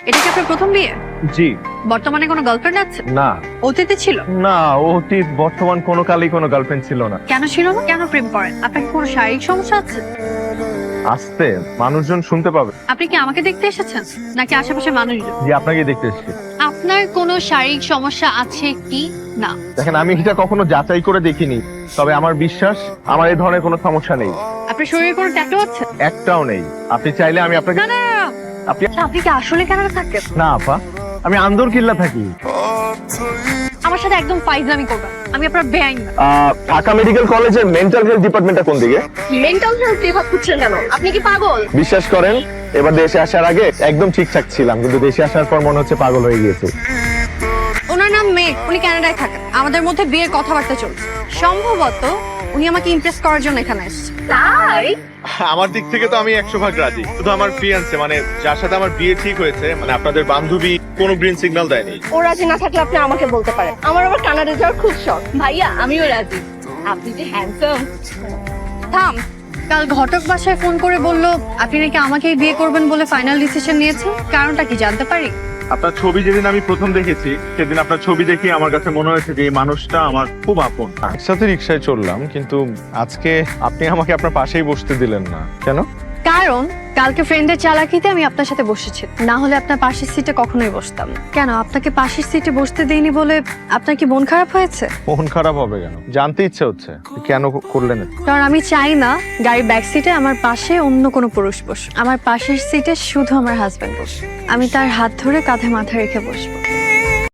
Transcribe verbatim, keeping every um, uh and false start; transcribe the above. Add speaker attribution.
Speaker 1: এটা কি আপনার প্রথম বিয়ে?
Speaker 2: জি
Speaker 1: বর্তমানে কোনো গার্লফ্রেন্ড আছে?
Speaker 2: না
Speaker 1: অতীতে ছিল?
Speaker 2: না অতীত বর্তমান কোনো কালেই কোনো গার্লফ্রেন্ড ছিল না।
Speaker 1: কেন ছিল না? কেন প্রেম করেন? আপনার কি কোনো শারীরিক সমস্যা আছে?
Speaker 2: আসতে মানুষজন শুনতে পাবে।
Speaker 1: আপনি কি আমাকে দেখতে এসেছেন নাকি আশেপাশে মানুষজন?
Speaker 2: জি আপনাকে দেখতে এসেছি।
Speaker 1: আপনার কোনো শারীরিক সমস্যা আছে কি না?
Speaker 2: দেখেন আমি এটা কখনো যাচাই করে দেখিনি, তবে আমার বিশ্বাস আমার এই ধরনের কোনো সমস্যা নেই।
Speaker 1: আপনার শরীরে কোনো ট্যাটু আছে?
Speaker 2: একটাও নেই। আপনি চাইলে আমি আপনাকে
Speaker 1: না না না, না।
Speaker 2: আপনি
Speaker 1: আপনি কি আসলে কানাডা থাকেন?
Speaker 2: না আপা, আমি আন্দর কিল্লা থাকি।
Speaker 1: আমার সাথে একদম ফাইজলামি করবেন, আমি আপনার বেআইন না।
Speaker 2: আহ, ঢাকা মেডিকেল কলেজের মেন্টাল হেলথ ডিপার্টমেন্টটা কোন দিকে?
Speaker 1: মেন্টাল হেলথ বিভাগ খুঁজছেন কেন? আপনি কি পাগল?
Speaker 2: বিশ্বাস করেন এবার দেশে আসার আগে একদম ঠিকঠাক ছিলাম, কিন্তু দেশে আসার পর মনে হচ্ছে পাগল হয়ে গিয়েছে।
Speaker 1: ওনার নাম মেঘ, উনি কানাডায় থাকেন। আমাদের মধ্যে বিয়ের কথাবার্তা চলছে। সম্ভবত উনি আমাকে ইমপ্রেস করার জন্য এখানে এসেছে। তাই
Speaker 2: আমার দিক থেকে তো আমি একশো ভাগ রাজি, শুধু আমার ফিয়ান্সে মানে যার সাথে আমার বিয়ে ঠিক হয়েছে, মানে আপনাদের বান্ধবী কোনো গ্রিন সিগন্যাল দেয়নি।
Speaker 3: ও রাজি না থাকলে আপনি আমাকে বলতে পারেন। আমার আবার কানাডা যাওয়ার খুব শখ। ভাইয়া আমিও রাজি। আপনি যে হ্যান্ডসাম।
Speaker 1: থাম। কাল ঘটক বাসায় ফোন করে বলল আপনি নাকি আমাকেই বিয়ে করবেন বলে ফাইনাল ডিসিশন নিয়েছেন। কারণটা কি জানতে পারি?
Speaker 2: আপনার ছবি যেদিন আমি প্রথম দেখেছি সেদিন আপনার ছবি দেখে আমার কাছে মনে হয়েছে যে এই মানুষটা আমার খুব আপন। একসাথে রিক্সায় চললাম, কিন্তু আজকে আপনি আমাকে আপনার পাশেই বসতে দিলেন না কেন?
Speaker 1: কারণ কালকে ফ্রেন্ডের চালাকিতে আমি আপনার সাথে বসেছি, না হলে আপনার পাশের সিটে কখনোই বসতাম না। কেন আপনাকে পাশের সিটে বসতে দেইনি বলে আপনার কি মন খারাপ হয়েছে?
Speaker 2: মন খারাপ হবে কেন? জানতে ইচ্ছে হচ্ছে কেন করলেন এটা?
Speaker 1: কারণ আমি চাই না গাড়ির ব্যাক সিটে আমার পাশে অন্য কোনো পুরুষ বসে। আমার পাশের সিটে শুধু আমার হাজবেন্ড বসে। আমি তার হাত ধরে কাঁধে মাথা রেখে বসবো।